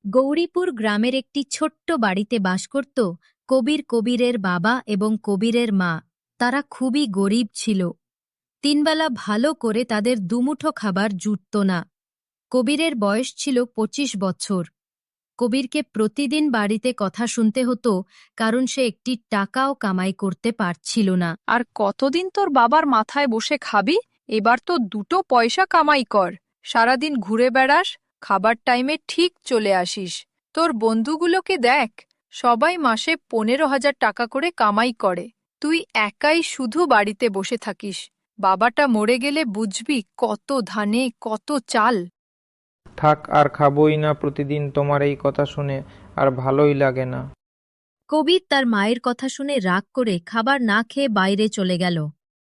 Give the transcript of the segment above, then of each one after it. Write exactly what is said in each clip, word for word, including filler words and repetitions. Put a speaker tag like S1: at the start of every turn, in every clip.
S1: গৌরীপুর গ্রামের একটি ছোট্ট বাড়িতে বাস করত কবির কবিরের বাবা এবং কবিরের মা। তারা খুবই গরিব ছিল। তিনবেলা ভালো করে তাদের দুমুঠো খাবার জুটত না। কবিরের বয়স ছিল পঁচিশ বছর। কবিরকে প্রতিদিন বাড়িতে কথা শুনতে হতো, কারণ সে একটি টাকাও কামাই করতে পারছিল না।
S2: আর কতদিন তোর বাবার মাথায় বসে খাবি? এবার তো দুটো পয়সা কামাই কর। সারাদিন ঘুরে বেড়াস, খাবার টাইমে ঠিক চলে আসিস। তোর বন্ধুগুলোকে দেখ, সবাই মাসে পনেরো হাজার টাকা করে কামাই করে। তুই একাই শুধু বাড়িতে বসে থাকিস। বাবাটা মরে গেলে বুঝবি কত ধানে কত চাল।
S3: থাক, আর খাবোই না প্রতিদিন তোমার এই কথা শুনে, আর ভালোই লাগে না।
S1: কবির তার মায়ের কথা শুনে রাগ করে খাবার না খেয়ে বাইরে চলে গেল।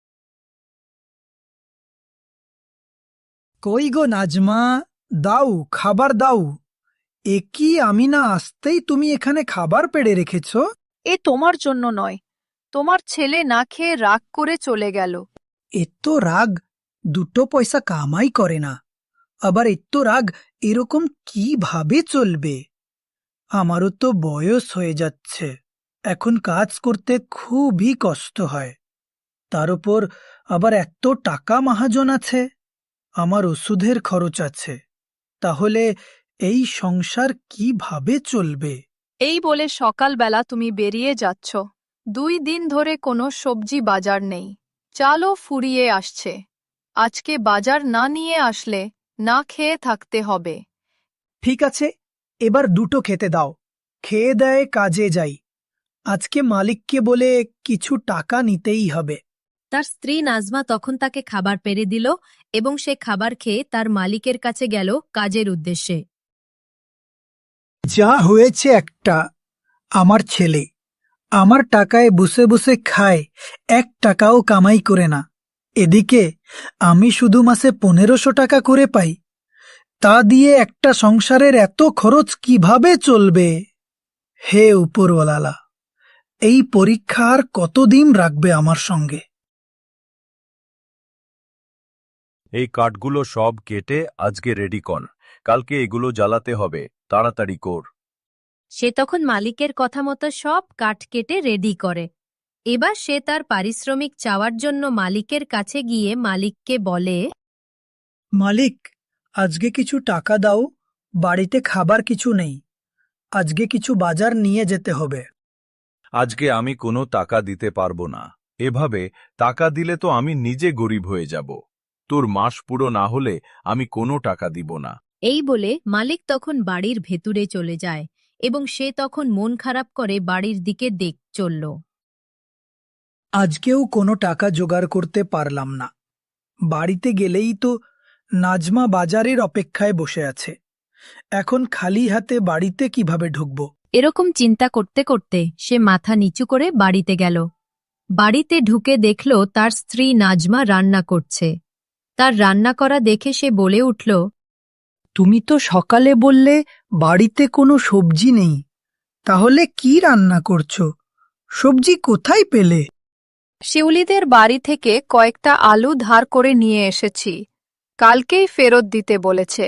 S4: কই গো নাজমা, দাও খাবার দাও। এ কি, আমি না আসতেই তুমি এখানে খাবার পেড়ে রেখেছ?
S2: এ তোমার জন্য নয়, তোমার ছেলে না খেয়ে রাগ করে চলে গেল।
S4: এত রাগ দুটো পয়সা কামাই করে না, আবার এত রাগ এরকম কিভাবে চলবে? আমারও তো বয়স হয়ে যাচ্ছে, এখন কাজ করতে খুবই কষ্ট হয়। তার উপর আবার এত টাকা মাহাজন আছে, আমার ওষুধের খরচ আছে। তাহলে এই সংসার কিভাবে চলবে?
S2: এই বলে সকালবেলা তুমি বেরিয়ে যাচ্ছ। দুই দিন ধরে কোনো সবজি বাজার নেই, চালও ফুরিয়ে আসছে। আজকে বাজার না নিয়ে আসলে না খেয়ে থাকতে হবে।
S4: ঠিক আছে, এবার দুটো খেতে দাও, খেয়ে দেয় কাজে যাই। আজকে মালিককে বলে কিছু টাকা নিতেই হবে।
S1: তার স্ত্রী নাজমা তখন তাকে খাবার পেরে দিল এবং সে খাবার খেয়ে তার মালিকের কাছে গেল কাজের উদ্দেশ্যে।
S4: যা হয়েছে একটা, আমার ছেলে আমার টাকায় বসে বসে খায়, এক টাকাও কামাই করে না। এদিকে আমি শুধু মাসে পনেরোশো টাকা করে পাই, তা দিয়ে একটা সংসারের এত খরচ কিভাবে চলবে? হে উপরওয়ালা, এই পরীক্ষা আর কতদিন রাখবে আমার সঙ্গে?
S5: এই কাঠগুলো সব কেটে আজকে রেডি কর, কালকে এগুলো জ্বালাতে হবে, তাড়াতাড়ি কর।
S1: সে তখন মালিকের কথা মতো সব কাঠ কেটে রেডি করে। এবার সে তার পারিশ্রমিক চাওয়ার জন্য মালিকের কাছে গিয়ে মালিককে বলে,
S4: মালিক, আজকে কিছু টাকা দাও, বাড়িতে খাবার কিছু নেই, আজকে কিছু বাজার নিয়ে যেতে হবে।
S5: আজকে আমি কোনো টাকা দিতে পারবো না, এভাবে টাকা দিলে তো আমি নিজে গরিব হয়ে যাব। তোর মাস পুরো না হলে আমি কোনো টাকা দিব না।
S1: এই বলে মালিক তখন বাড়ির ভেতরে চলে যায় এবং সে তখন মন খারাপ করে বাড়ির দিকে দেখ চলল।
S4: আজকেও কোনো টাকা জোগাড় করতে পারলাম না। বাড়িতে গেলেই তো নাজমা বাজারের অপেক্ষায় বসে আছে, এখন খালি হাতে বাড়িতে কিভাবে ঢুকব?
S1: এরকম চিন্তা করতে করতে সে মাথা নিচু করে বাড়িতে গেল। বাড়িতে ঢুকে দেখল তার স্ত্রী নাজমা রান্না করছে। তার রান্না করা দেখে সে বলে উঠল,
S4: তুমি তো সকালে বললে বাড়িতে কোনো সবজি নেই, তাহলে কি রান্না করছো? সবজি কোথায় পেলে?
S2: শিউলিদের বাড়ি থেকে কয়েকটা আলু ধার করে নিয়ে এসেছি, কালকেই ফেরত দিতে বলেছে।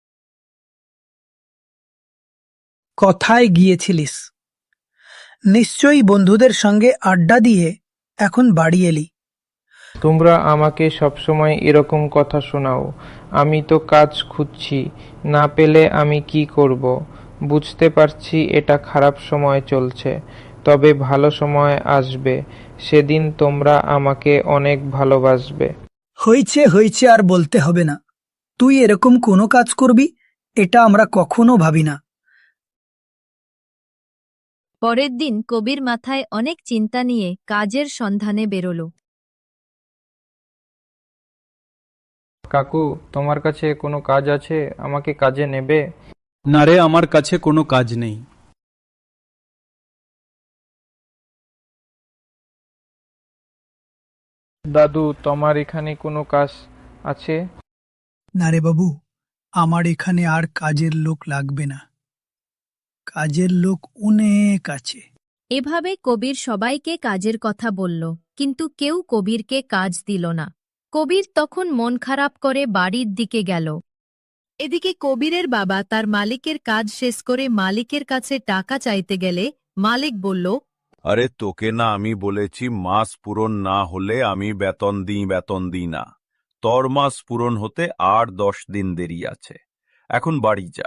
S4: কোথায় গিয়েছিলিস? নিশ্চয়ই বন্ধুদের সঙ্গে আড্ডা দিয়ে এখন বাড়ি এলি।
S3: তোমরা আমাকে সবসময় এরকম কথা শোনাও। আমি তো কাজ খুঁজছি, না পেলে আমি কি করব? বুঝতে পারছি এটা খারাপ সময় চলছে, তবে ভালো সময় আসবে, সেদিন তোমরা আমাকে অনেক ভালোবাসবে।
S4: হয়েছে হয়েছে, আর বলতে হবে না। তুই এরকম কোনো কাজ করবি, এটা আমরা কখনো ভাবি না।
S1: পরের দিন কবির মাথায় অনেক চিন্তা নিয়ে কাজের সন্ধানে বেরোল।
S3: কাকু, তোমার কাছে কোনো কাজ আছে? আমাকে কাজে নেবে?
S6: না রে, আমার কাছে কোনো কাজ নেই।
S3: দাদু, তোমার এখানে কোনো কাজ আছে?
S4: না রে বাবু, আমার এখানে আর কাজের লোক লাগবে না, কাজের লোক অনেক আছে।
S1: এভাবে কবির সবাইকে কাজের কথা বলল, কিন্তু কেউ কবিরকে কাজ দিল না। কবির তখন মন খারাপ করে বাড়ির দিকে গেল। এদিকে কবিরের বাবা তার মালিকের কাজ শেষ করে মালিকের কাছে টাকা চাইতে গেলে মালিক বলল,
S5: আরে তোকে না আমি বলেছি মাস পূরণ না হলে আমি বেতন দিই বেতন দিই না। তোর মাস পূরণ হতে আর দশ দিন দেরি আছে, এখন বাড়ি যা।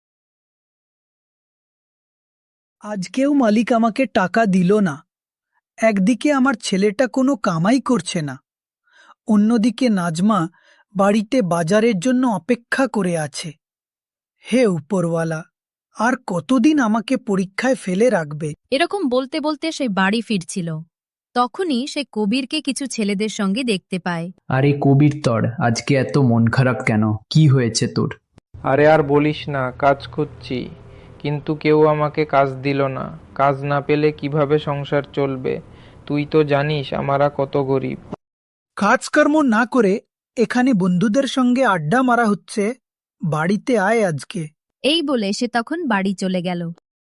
S4: আজকেও মালিক আমাকে টাকা দিল না। একদিকে আমার ছেলেটা কোনো কামাই করছে না, অন্যদিকে নাজমা বাড়িতে বাজারের জন্য অপেক্ষা করে আছে। হে উপরওয়ালা, আর কতদিন আমাকে পরীক্ষায় ফেলে রাখবে?
S1: এরকম বলতে বলতে সে বাড়ি ফিরছিল। তখনই সে কবিরকে কিছু ছেলেদের সঙ্গে দেখতে পায়।
S7: আরে কবির তর, আজকে এত মন খারাপ কেন? কি হয়েছে তোর?
S3: আরে আর বলিস না, কাজ খুঁজছি, কিন্তু কেউ আমাকে কাজ দিল না। কাজ না পেলে কিভাবে সংসার চলবে? তুই তো জানিস আমরা কত গরিব।
S4: কাজকর্ম না করে এখানে বন্ধুদের সঙ্গে আড্ডা মারা হচ্ছে। বাড়িতে আয় আজকে।
S1: এই বলে সে তখন বাড়ি চলে গেল।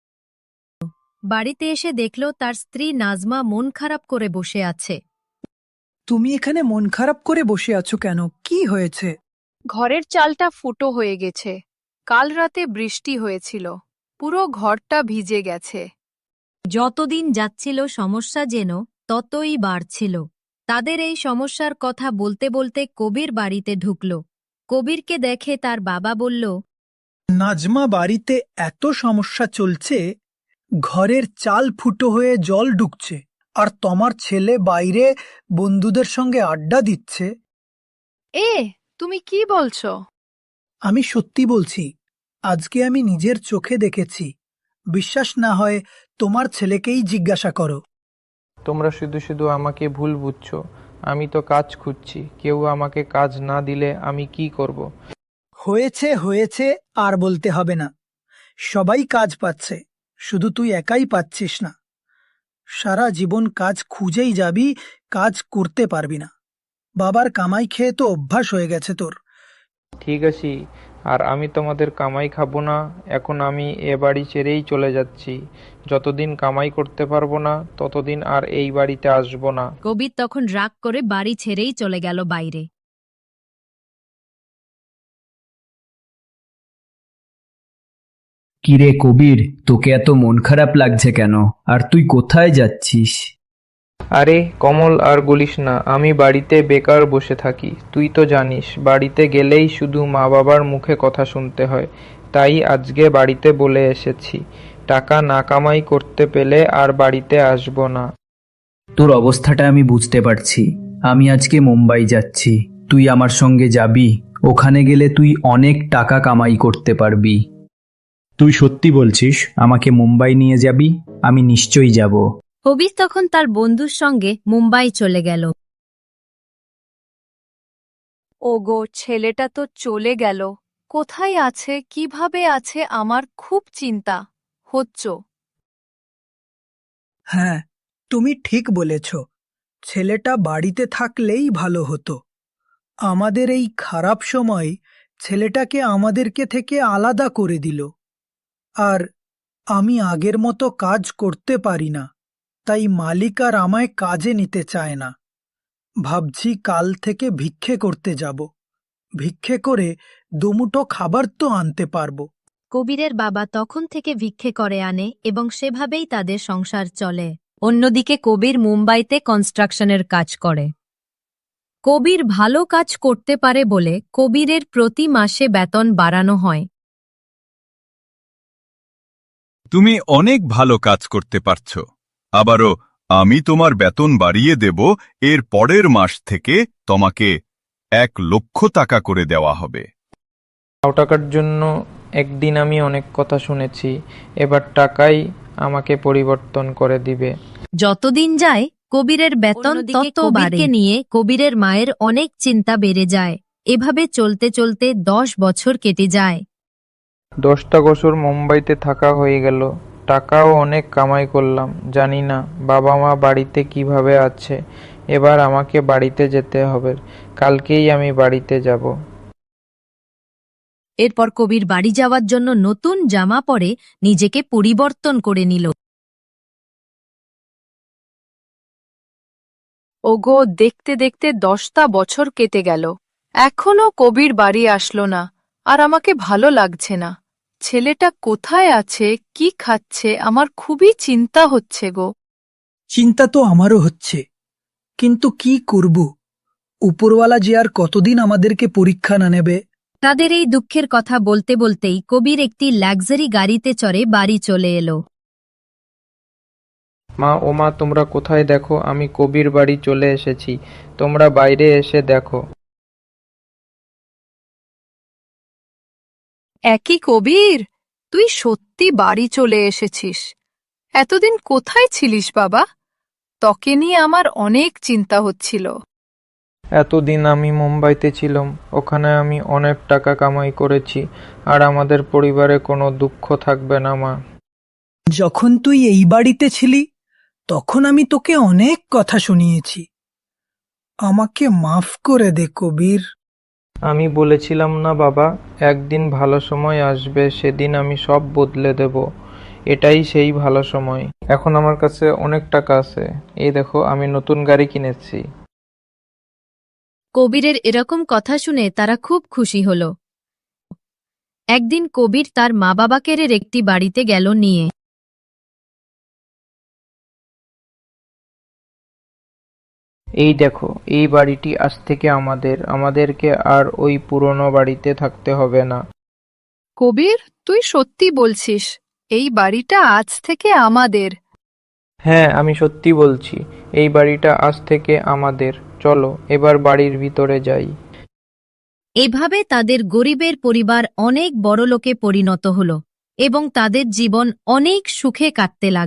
S1: বাড়িতে এসে দেখল তার স্ত্রী নাজমা মন খারাপ করে বসে আছে।
S4: তুমি এখানে মন খারাপ করে বসে আছো কেন? কি হয়েছে?
S2: ঘরের চালটা ফুটো হয়ে গেছে। কাল রাতে বৃষ্টি হয়েছিল, পুরো ঘরটা ভিজে গেছে।
S1: যতদিন যাচ্ছিল সমস্যা যেন ততই বাড়ছিল। তাদের এই সমস্যার কথা বলতে বলতে কবির বাড়িতে ঢুকল। কবিরকে দেখে তার বাবা বলল,
S4: নাজমা, বাড়িতে এত সমস্যা চলছে, ঘরের চাল ফুটো হয়ে জল ঢুকছে, আর তোমার ছেলে বাইরে বন্ধুদের সঙ্গে আড্ডা দিচ্ছে।
S2: এ তুমি কি বলছো?
S4: আমি সত্যি বলছি, আজকে আমি নিজের চোখে দেখেছি। বিশ্বাস না হয় তোমার ছেলেকেই জিজ্ঞাসা করো।
S3: তোমরা শুধু শুধু আমাকে ভুল বুঝছো। আমি তো কাজ খুঁজছি, কেউ আমাকে কাজ না দিলে আমি কি করব?
S4: হয়েছে হয়েছে, আর বলতে হবে না। সবাই কাজ পাচ্ছে, শুধু তুই একাই পাচ্ছিস না। সারা জীবন কাজ খুঁজেই যাবি, কাজ করতে পারবি না। বাবার কামাই খেয়ে তো অভ্যাস হয়ে গেছে তোর।
S3: ঠিক আছে, আর আমি তোমাদের কামাই খাবো না। এখন আমি এ বাড়ি ছেড়েই চলে যাচ্ছি। যতদিন কামাই করতে পারবো না ততদিন আর এই বাড়িতে আসবো না।
S1: কবির তখন রাগ করে বাড়ি ছেড়েই চলে গেল বাইরে।
S7: কিরে কবির, তোকে এত মন খারাপ লাগছে কেন? আর তুই কোথায় যাচ্ছিস?
S3: আরে কমল, আর বলিস না, আমি বাড়িতে বেকার বসে থাকি। তুই তো জানিস বাড়িতে গেলেই শুধু মা বাবার মুখে কথা শুনতে হয়। তাই আজকে বাড়িতে বলে এসেছি, টাকা না কামাই করতে পেলে আর বাড়িতে আসবো না।
S7: তোর অবস্থাটা আমি বুঝতে পারছি। আমি আজকে মুম্বাই যাচ্ছি, তুই আমার সঙ্গে যাবি? ওখানে গেলে তুই অনেক টাকা কামাই করতে পারবি। তুই সত্যি বলছিস আমাকে মুম্বাই নিয়ে যাবি? আমি নিশ্চয়ই যাব।
S1: কবির তখন তার বন্ধুর সঙ্গে মুম্বাই চলে গেল।
S2: ওগো, ছেলেটা তো চলে গেল। কোথায় আছে, কিভাবে আছে, আমার খুব চিন্তা হচ্ছ।
S4: হ্যাঁ, তুমি ঠিক বলেছ। ছেলেটা বাড়িতে থাকলেই ভালো হতো। আমাদের এই খারাপ সময় ছেলেটাকে আমাদেরকে থেকে আলাদা করে দিল। আর আমি আগের মতো কাজ করতে পারি না, তাই মালিক আর আমায় কাজে নিতে চায় না। ভাবছি কাল থেকে ভিক্ষে করতে যাব। ভিক্ষে করে দুমুঠো খাবার তো আনতে পারবো।
S1: কবিরের বাবা তখন থেকে ভিক্ষে করে আনে এবং সেভাবেই তাদের সংসার চলে। অন্যদিকে কবির মুম্বাইতে কনস্ট্রাকশনের কাজ করে। কবির ভালো কাজ করতে পারে বলে কবিরের প্রতি মাসে বেতন বাড়ানো হয়।
S5: তুমি অনেক ভালো কাজ করতে পারছ। আবারও আমি তোমার বেতন বাড়িয়ে দেব। এর পরের মাস থেকে তোমাকে এক লক্ষ টাকা করে দেওয়া হবে।
S3: লাউ টাকার জন্য একদিন আমি অনেক কথা শুনেছি, এবার টাকাই আমাকে পরিবর্তন করে দিবে।
S1: যতদিন যায় কবিরের বেতন তত বাড়ে নিয়ে কবিরের মায়ের অনেক চিন্তা বেড়ে যায়। এভাবে চলতে চলতে দশ বছর কেটে যায়।
S3: দশটা বছর মুম্বাইতে থাকা হয়ে গেল, টাকাও অনেক কামাই করলাম। জানি না বাবা মা বাড়িতে কিভাবে আছে। এবার আমাকে বাড়িতে যেতে হবে, কালকেই আমি বাড়িতে যাব।
S1: এরপর কবির বাড়ি যাওয়ার জন্য নতুন জামা পরে নিজেকে পরিবর্তন করে নিল।
S2: ওগো, দেখতে দেখতে দশটা বছর কেটে গেল, এখনো কবির বাড়ি আসলো না। আর আমাকে ভালো লাগছে না। ছেলেটা কোথায় আছে, কি খাচ্ছে, আমার খুবই চিন্তা হচ্ছে গো।
S4: চিন্তা তো আমারও হচ্ছে, কিন্তু কি করব? উপরওয়ালা যে আর কতদিন আমাদেরকে পরীক্ষা না নেবে।
S1: তাদের এই দুঃখের কথা বলতে বলতেই কবির একটি লাক্সারি গাড়িতে চড়ে বাড়ি চলে এলো।
S3: মা ও মা, তোমরা কোথায়? দেখো, আমি কবির বাড়ি চলে এসেছি। তোমরা বাইরে এসে দেখো।
S2: একই কবির, তুই সত্যি বাড়ি চলে এসেছিস। এতদিন কোথায় ছিলিস বাবা? তোকে নিয়ে আমার অনেক চিন্তা হচ্ছিল।
S3: এতদিন আমি মুম্বাইতে ছিলাম, ওখানে আমি অনেক টাকা কামাই করেছি, আর আমাদের পরিবারে কোনো দুঃখ থাকবে না মা।
S4: যখন তুই এই বাড়িতে ছিলি তখন আমি তোকে অনেক কথা শুনিয়েছি। আমাকে মাফ করে দে কবির।
S3: আমি বলেছিলাম না বাবা, একদিন ভালো সময় আসবে, সেদিন আমি সব বদলে দেব। এটাই সেই ভালো সময়। এখন আমার কাছে অনেক টাকা আছে, এই দেখো আমি নতুন গাড়ি কিনেছি।
S1: কবিরের এরকম কথা শুনে তারা খুব খুশি হল। একদিন কবির তার মা বাবাকে একটি বাড়িতে গেল নিয়ে।
S3: এই দেখো, এই বাড়িটি আজ থেকে আমাদের, আমাদেরকে আর ওই পুরনো বাড়িতে থাকতে হবে না।
S2: কবির, তুই সত্যি বলছিস? এই বাড়িটা আজ থেকে আমাদের?
S3: হ্যাঁ, আমি সত্যি বলছি, এই বাড়িটা আজ থেকে আমাদের। চলো এবার বাড়ির ভিতরে যাই।
S1: এভাবে তাদের গরিবের পরিবার অনেক বড়লোকে পরিণত হল এবং তাদের জীবন অনেক সুখে কাটতে লাগল।